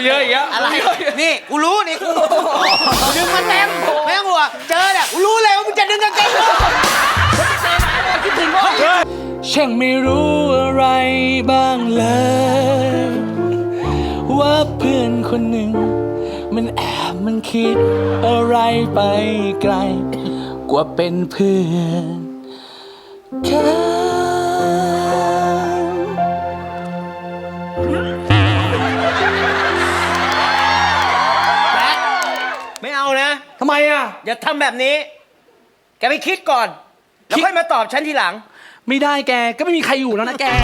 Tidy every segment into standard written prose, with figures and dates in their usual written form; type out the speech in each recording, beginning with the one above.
เยอะอีกแล้วอะไรนี่กูรู้นี่กูดึงมาเต็มไม่ต้องห่วงเจอเนี่ยกูรู้เลยว่ามึงจะดึงกางเกงกูคิดถึงว่าช่างไม่รู้อะไรบ้างเลยว่าเพื่อนคนหนึ่งมันแอบมันคิดอะไรไปไกลกว่าเป็นเพื่อนไม่เอานะทำไมอ่ะอย่าทำแบบนี้แกไปคิดก่อนแล้วค่อยมาตอบฉันทีหลังไม่ได้แกก็ไม่มีใครอยู่แล้วนะแก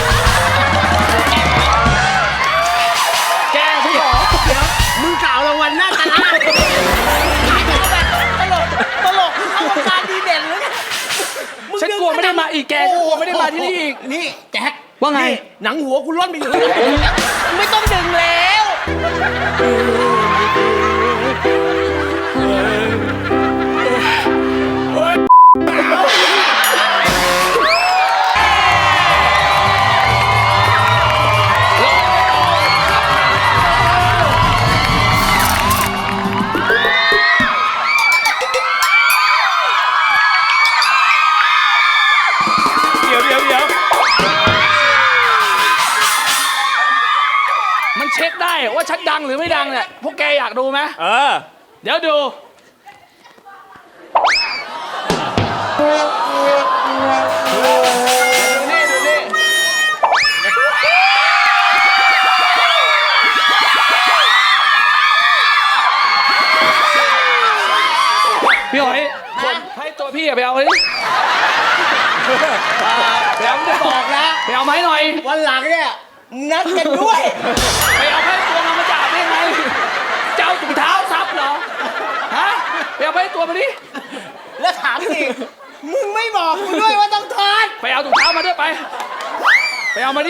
พี่หรอเดี๋ยวมึงกล่าวรางวัลหน้าตาล่าตลกเข้าวงการดีเด่นเลยฉันกลัวไม่ได้มาอีกแกกลัวไม่ได้มาที่นี่อีกนี่แจ็คว่าไงหนังหัวกูร่อนไปอยู่ไม่ต้องดึงแล้วมันเช็คได้ว่าฉันดังหรือไม่ดังเนี่ยพวกแกอยากดูไหมเดี๋ยวดูนี่พี่หอยให้ตัวพี่ไปเอาเลยไปเอาไม่ได้บอกนะไปเอาไม้หน่อยวันหลังเนี่ยนัดกันด้วยไปเอาให้ตัวมาจับได้ไงเจ้าถุงเท้าซับเหรอฮะไปเอาให้ตัวมาดิแล้วถามอีกมึงไม่บอกกูด้วยว่าต้องถอดไปเอาถุงเท้ามาด้วยไปเอามาดิ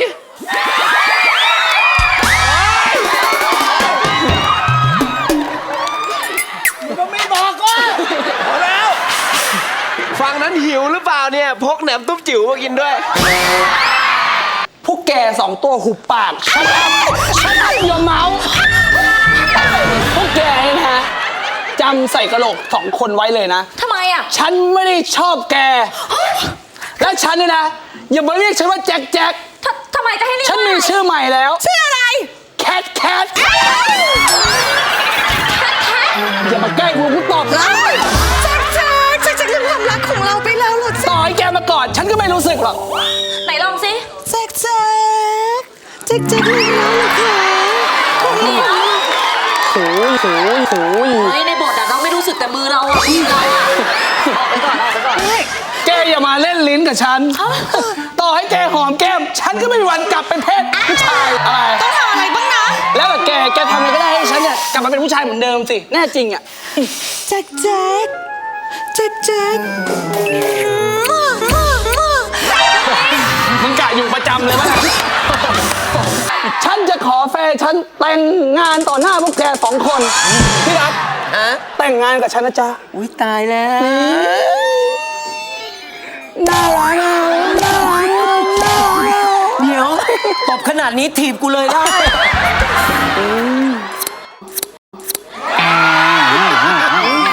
มึงก็ไม่บอกก็พอแล้วฝั่งนั้นหิวหรือเปล่าเนี่ยพกแหนมตุ้มจิ๋วมากินด้วยพวกแก2ตัวหุบปากฉันอย่าเมาพวกแกนะฮะจำใส่กระโหลก2คนไว้เลยนะทำไมอ่ะฉันไม่ได้ชอบแกและฉันเนี่ยนะอย่ามาเรียกฉันว่าแจ็คทำไมจะให้เรียกฉันมีชื่อใหม่แล้วชื่ออะไรแคทอย่ามาแกล้งกูตอบนะแจ็คลืมความรักของเราไปแล้วหรอต่อให้แกมาก่อนฉันก็ไม่รู้สึกหรอกไหนลองสิแจ็คลืมแล้วเหรอคะนี่โอ้ยในบทอะเราไม่รู้สึกแต่มือเราอะออกไปก่อนแกอย่ามาเล่นลิ้นกับฉันต่อให้แกหอมแก้มฉันก็ไม่มีวันกลับเป็นเพศผู้ชายอะไรต้องทำอะไรบ้างนะแล้วแบบแกทำอะไรก็ได้ให้ฉันเนี่ยกลับมาเป็นผู้ชายเหมือนเดิมสิแน่จริงอ่ะแจ็คมึงกะอยู่ประจำเลยมั้งฉันจะขอแฟนฉันแต่งงานต่อหน้าพวกแก2 คนพี่รักแต่งงานกับฉันนะจ๊ะอุ้ยตายแล้วน่ารักเดี๋ยวตบขนาดนี้ถีบกูเลยได้